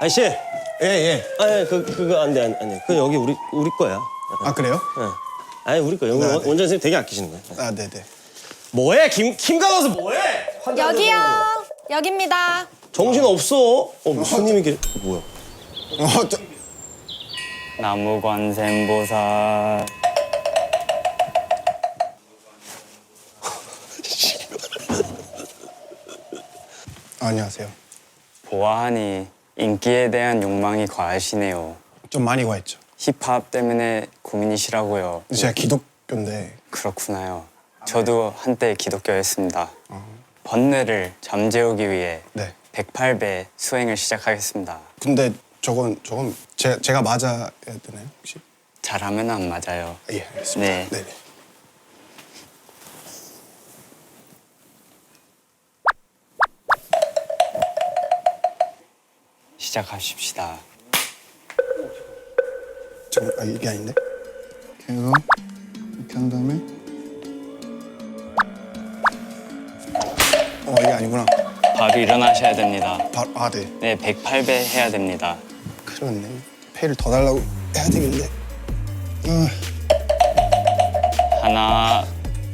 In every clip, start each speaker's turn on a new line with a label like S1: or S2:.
S1: 아저씨.
S2: 예, 예.
S1: 아니 그거 안 돼. 그 여기 우리 거야.
S2: 아, 그래요?
S1: 네. 아니 우리 거야. 여기
S2: 네, 네.
S1: 원장 선생님 되게 아끼시는 거야.
S2: 아, 네네.
S1: 뭐해? 김가 가서 뭐해? 환자
S3: 여기요.
S1: 앉아서.
S3: 여기입니다.
S1: 정신 없어. 손님이 뭐야?
S4: 나무관생보살.
S2: 안녕하세요.
S4: 보아하니 인기에 대한 욕망이 과하시네요.
S2: 좀 많이 과했죠.
S4: 힙합 때문에 고민이시라고요.
S2: 제가 기독교인데.
S4: 그렇구나요. 저도 한때 기독교였습니다. 번뇌를 잠재우기 위해
S2: 네.
S4: 108배 수행을 시작하겠습니다.
S2: 근데 저건 제가 맞아야 되나요, 혹시?
S4: 잘하면 안 맞아요.
S2: 예, 알겠습니다.
S4: 네.
S2: 네네.
S4: 시작하십시다.
S2: 잠깐, 아, 이게 아닌데? 이거 이렇게 한 다음에 이게 아니구나.
S4: 바로 일어나셔야 됩니다.
S2: 아, 네.
S4: 네, 108배 해야 됩니다.
S2: 그렇네. 페이를 더 달라고 해야 되겠는데.
S4: 하나.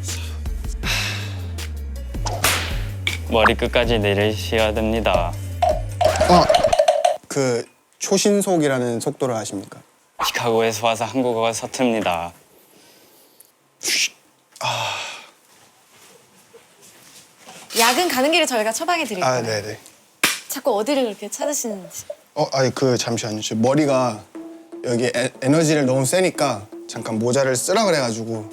S4: 머리 끝까지 내리셔야 됩니다.
S2: 그 초신속이라는 속도를 아십니까?
S4: 시카고에서 와서 한국어가 서툽니다.
S3: 약은 가는 길에 저희가 처방해 드릴 거예요.
S2: 아, 네네.
S3: 자꾸 어디를 그렇게 찾으시는지.
S2: 아니 잠시만요. 저 머리가 여기 에너지를 너무 세니까 잠깐 모자를 쓰라 그래가지고.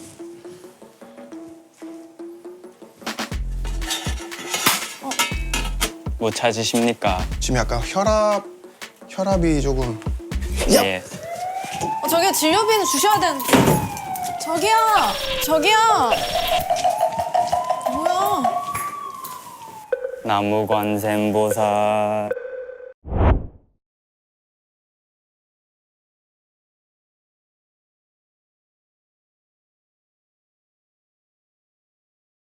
S4: 뭐 찾으십니까?
S2: 지금 약간 혈압이 조금.
S4: 예.
S3: 저기요, 진료비는 주셔야 되는데. 저기요. 뭐야?
S4: 나무관생보살.